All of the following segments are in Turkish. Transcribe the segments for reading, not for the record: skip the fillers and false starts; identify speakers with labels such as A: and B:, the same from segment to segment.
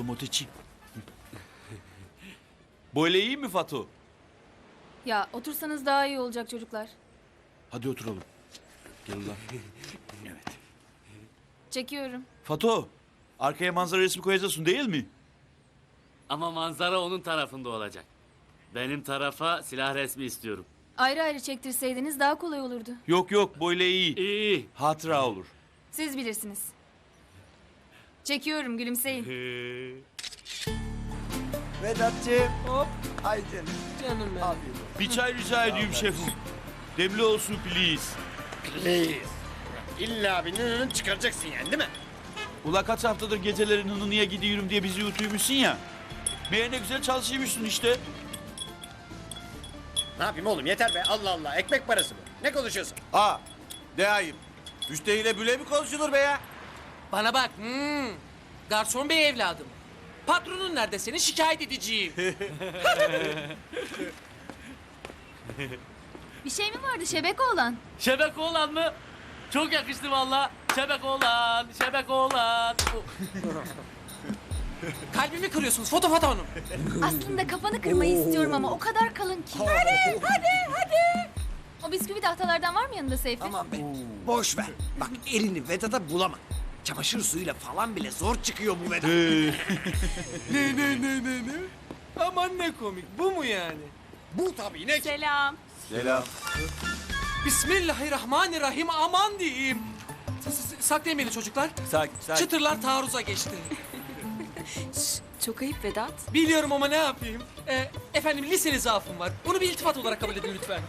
A: oturalım Oteçi. Böyle iyi mi Fatu?
B: Ya otursanız daha iyi olacak çocuklar.
A: Hadi oturalım. Gel ulan. Evet.
B: Çekiyorum.
A: Fatu, arkaya manzara resmi koyacaksın değil mi?
C: Ama manzara onun tarafında olacak. Benim tarafa silah resmi istiyorum.
B: Ayrı ayrı çektirseydiniz daha kolay olurdu.
A: Yok yok, böyle iyi.
C: İyi.
A: Hatıra olur.
B: Siz bilirsiniz. Çekiyorum, gülümseyin.
D: Vedat'cığım. Hop. Ay canım.
E: Canım benim.
D: Afiyet olsun.
A: Bir çay rica ediyorum şefim. Demli olsun please.
F: Please. İlla bir nününü çıkaracaksın yani değil mi?
A: Ula kaç haftadır gecelerin hınınıya gidiyorum diye bizi yutuymuşsun ya. Meğer ne güzel çalışıyormuşsun işte.
F: Ne yapayım oğlum yeter be Allah Allah ekmek parası bu. Ne konuşuyorsun?
D: Aa. De ayıp. Müşteriyle böyle mi konuşulur be ya?
E: Bana bak. Garson bey evladım. Patronun nerede seni şikayet edeceğim.
B: Bir şey mi vardı şebeke olan?
C: Şebek oğlan mı? Çok yakıştı valla. Şebek oğlan, şebek oğlan.
E: Kalbimi kırıyorsunuz Foto Hanım.
B: Aslında kafanı kırmayı istiyorum ama o kadar kalın ki. Hadi. O bisküvi tahtalardan var mı yanında Seyfi?
D: Aman be. Boş ver. Bak elini Vedat'a bulama. Çamaşır suyuyla falan bile zor çıkıyor bu Vedat.
E: Ne? Aman ne komik. Bu mu yani?
F: Bu tabii ne?
B: Selam.
D: Selam.
E: Bismillahirrahmanirrahim. Aman diyeyim. Saklayın beni çocuklar.
D: Sakin.
E: Çıtırlar taarruza geçti.
B: Çok ayıp Vedat.
E: Biliyorum ama ne yapayım? Efendim liseli zaafım var. Bunu bir iltifat olarak kabul edin lütfen.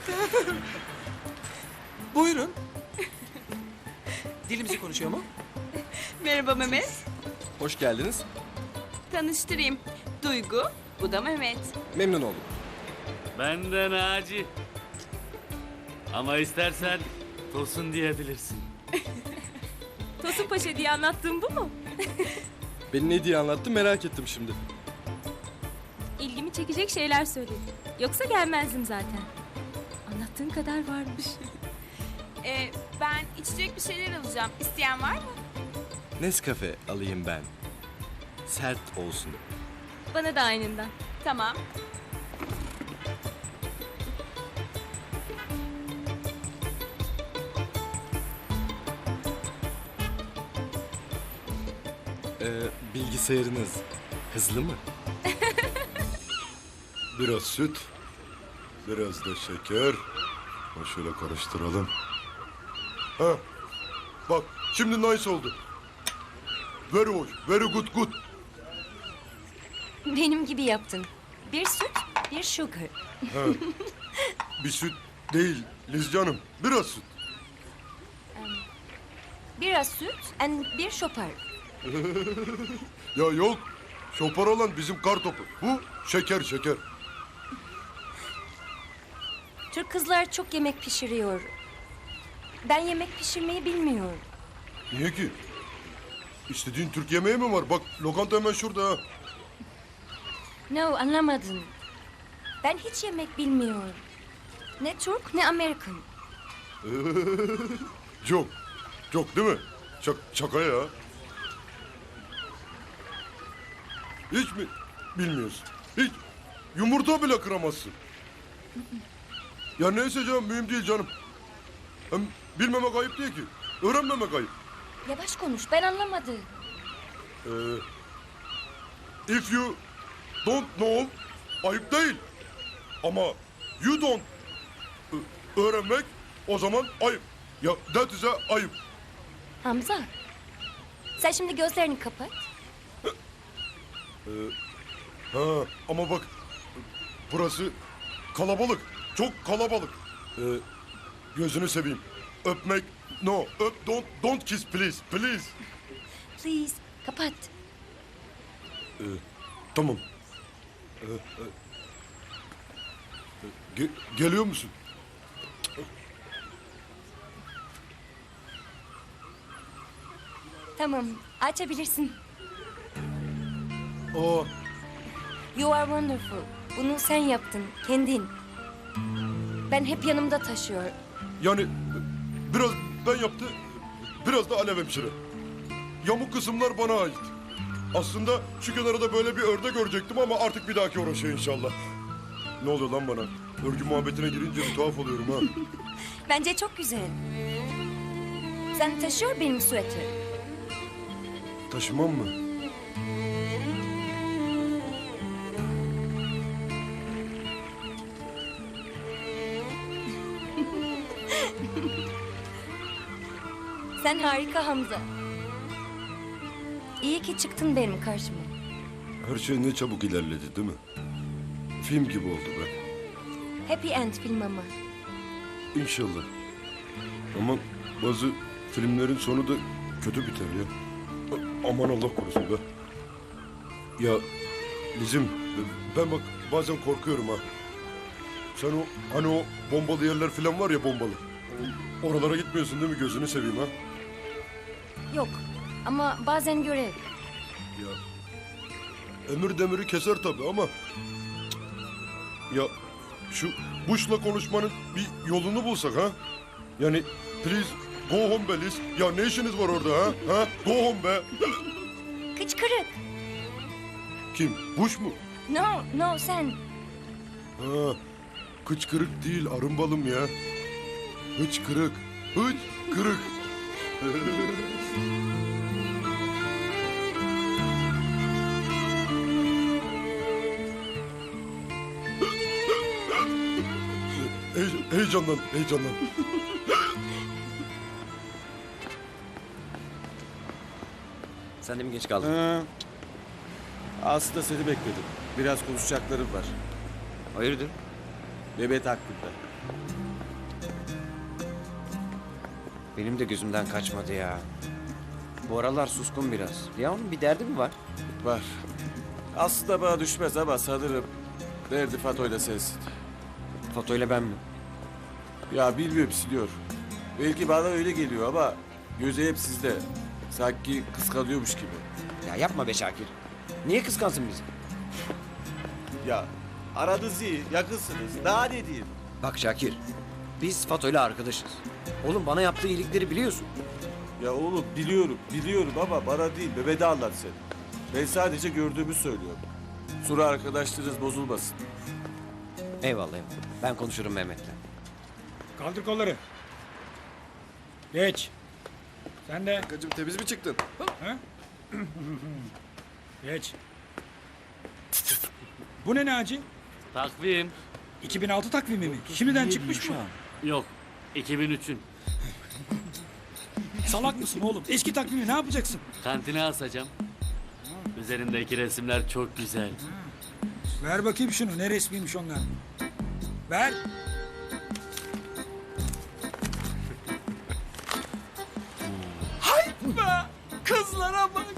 E: Buyurun. Dilimizi konuşuyor mu?
G: Merhaba Mehmet.
H: Hoş geldiniz.
G: Tanıştırayım. Duygu, bu da Mehmet.
H: Memnun oldum.
C: Ben de Naci. Ama istersen Tosun diyebilirsin.
G: Tosun Paşa diye anlattığım bu mu?
H: Beni ne diye anlattı merak ettim şimdi.
G: İlgimi çekecek şeyler söyledin. Yoksa gelmezdim zaten. Anlattığın kadar varmış. Ben içecek bir şeyler alacağım. İsteyen var mı?
H: Nescafe alayım ben. Sert olsun.
G: Bana da aynından. Tamam.
H: Bilgisayarınız hızlı mı?
I: Biraz süt, biraz da şeker. Şöyle karıştıralım. Ha, bak şimdi nice oldu. Very hoş, very good.
J: Benim gibi yaptın. Bir süt, bir sugar.
I: Bir süt değil Liz canım, biraz süt.
J: Biraz süt and bir şopar.
I: Ya yok, şopar olan bizim kar topu. Bu şeker.
J: Türk kızlar çok yemek pişiriyor. Ben yemek pişirmeyi bilmiyorum.
I: Niye ki? İstediğin Türk yemeği mi var? Bak lokanta hemen şurada ha.
J: No, anlamadın. Ben hiç yemek bilmiyorum. Ne Türk ne Amerikan.
I: Çok değil mi? Şaka ya. Hiç mi bilmiyorsun? Hiç. Yumurta bile kıramazsın. Ya neyse canım mühim değil canım. Hem bilmemek ayıp değil ki. Öğrenmemek ayıp.
J: Yavaş konuş, ben anlamadım.
I: If you don't know ayıp değil. Ama you don't öğrenmek o zaman ayıp. Ya that is a ayıp.
J: Hamza, sen şimdi gözlerini kapat.
I: Ha, ama bak burası kalabalık. Çok kalabalık. Gözünü seveyim. Öpmek no. Don't kiss please.
J: Please, kapat.
I: Tamam. Geliyor musun?
J: Tamam, açabilirsin.
I: Aa,
J: You are wonderful. Bunu sen yaptın, kendin. Ben hep yanımda taşıyor.
I: yani biraz ben yaptı, biraz da Alev hemşire. Yamuk kısımlar bana ait. Aslında şu kenara da böyle bir örnek görecektim ama artık bir dahaki uğraşıyor inşallah. Ne oluyor lan bana? Örgü muhabbetine girince bir tuhaf oluyorum ha.
J: Bence çok güzel. Sen taşıyor benim süvetri.
I: Taşımam mı?
J: Sen harika Hamza. İyi ki çıktın benim karşıma.
I: Her şey ne çabuk ilerledi değil mi? Film gibi oldu be.
J: Happy End film ama.
I: İnşallah. Ama bazı filmlerin sonu da kötü biter ya. Aman Allah korusun be. Ya Lizim, ben bak bazen korkuyorum ha. Sen o hani o bombalı yerler falan var ya, bombalı. Oralara gitmiyorsun değil mi, gözünü seveyim ha?
J: Yok ama bazen görev.
I: Ya emir demiri keser tabii ama cık. Ya şu Bush'la konuşmanın bir yolunu bulsak ha? Yani please go home be Liz. Ya ne işiniz var orada ha? Ha? Go home be.
J: Kıçkırık.
I: Kim? Bush mu?
J: No sen.
I: Ha, kıçkırık değil arımbalım ya. Hıçkırık. Hıçkırık. Heyecandan.
D: Sen de mi geç kaldın?
H: Aslında seni bekledim. Biraz konuşacaklarım var.
D: Hayırdır?
H: Mehmet hakkında.
D: Benim de gözümden kaçmadı ya. Bu aralar suskun biraz. Ya onun bir derdi mi var?
H: Var. Aslında bana düşmez ama sanırım derdi Fato'yla sensin.
D: Fato'yla ben mi?
H: Ya bilmiyorum, siliyor. Belki bana öyle geliyor ama gözü hep sizde. Sanki kıskanıyormuş gibi.
D: Ya yapma be Şakir. Niye kıskansın bizi?
H: Ya aranız iyi, yakınsınız. Daha ne diyeyim?
D: Bak Şakir, biz Fato'yla arkadaşız. Oğlum bana yaptığı iyilikleri biliyorsun.
H: Ya oğlum biliyorum ama bana değil, Mehmet'e anlat sen. Ben sadece gördüğümü söylüyorum. Sonra arkadaşlarınız bozulmasın.
D: Eyvallah. Ben konuşurum Mehmet'le.
K: Kaldır kolları. Geç. Sen de.
H: Kankacığım temiz mi çıktın?
K: Ha? Geç. Bu ne Naci?
C: Takvim.
K: 2006 takvimi mi? Şimdiden çıkmış mı?
C: Yok. 2003'ün.
K: Salak mısın oğlum? Eski takvimi ne yapacaksın?
C: Kantine asacağım. Üzerindeki resimler çok güzel.
K: Ver bakayım şunu. Ne resmiymiş onlar? Ver.
E: Hayt be! Kızlara bak!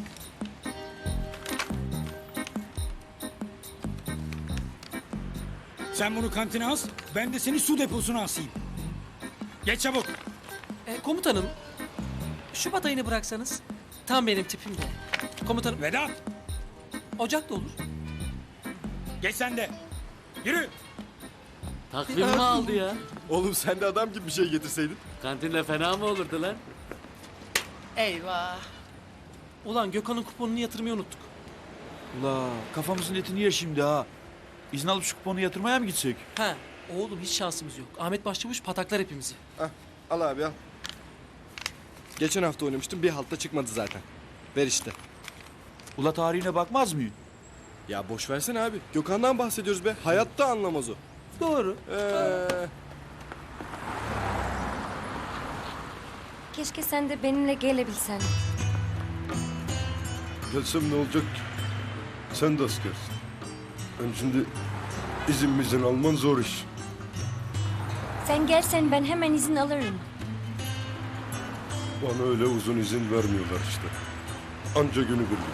K: Sen bunu kantine as. Ben de seni su deposuna asayım. Geç çabuk.
E: Komutanım, Şubat ayını bıraksanız tam benim tipimde. Komutanım,
K: Vedat.
E: Ocak da olur.
K: Geç sen de. Yürü.
C: Takvim mi aldı ya?
H: Oğlum sen de adam gibi bir şey getirseydin.
C: Kantinde fena mı olurdu lan?
E: Eyvah! Ulan Gökhan'ın kuponunu yatırmayı unuttuk.
A: Ula kafamızın etini yer şimdi ha. İzin alıp şu kuponu yatırmaya mı gitsek?
E: Ha, oğlum hiç şansımız yok. Ahmet Başçavuş pataklar hepimizi.
H: Al abi al. Geçen hafta oynamıştım, bir halta çıkmadı zaten. Ver işte.
A: Ula tarihine bakmaz mıyım?
H: Ya boş versene abi. Gökhan'dan bahsediyoruz be. Hayatta anlamaz o.
E: Doğru.
J: Keşke sen de benimle gelebilsen.
I: Gelsem ne olacak ki? Sen de askersin. Hem şimdi izin alman zor iş.
J: Sen gelsen ben hemen izin alırım.
I: Bana öyle uzun izin vermiyorlar işte. Anca günübirlik.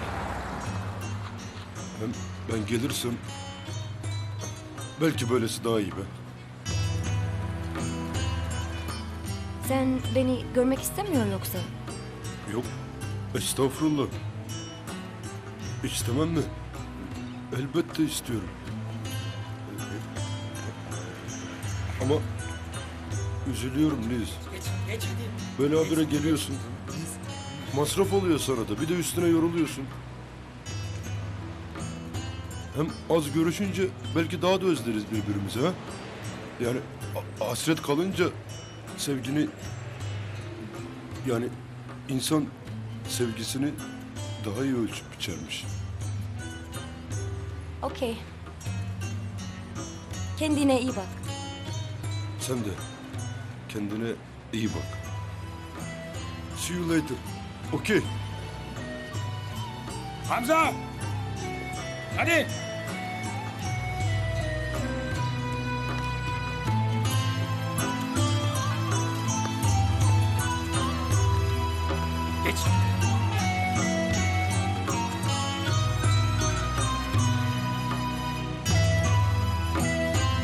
I: Hem ben gelirsem belki böylesi daha iyi be.
J: Sen beni görmek istemiyor yoksa?
I: Yok, estağfurullah. İstemem mi? Elbette istiyorum. Ama üzülüyorum Liz.
K: Geç hadi.
I: Böyle habire geliyorsun. Masraf oluyor sana da. Bir de üstüne yoruluyorsun. Hem az görüşünce belki daha da özleriz birbirimizi ha. Yani hasret kalınca sevgini... Yani insan sevgisini daha iyi ölçüp biçermiş.
J: Okey. Kendine iyi bak.
I: Sen de kendine iyi bak. See you later. Okey.
K: Hamza! Hadi!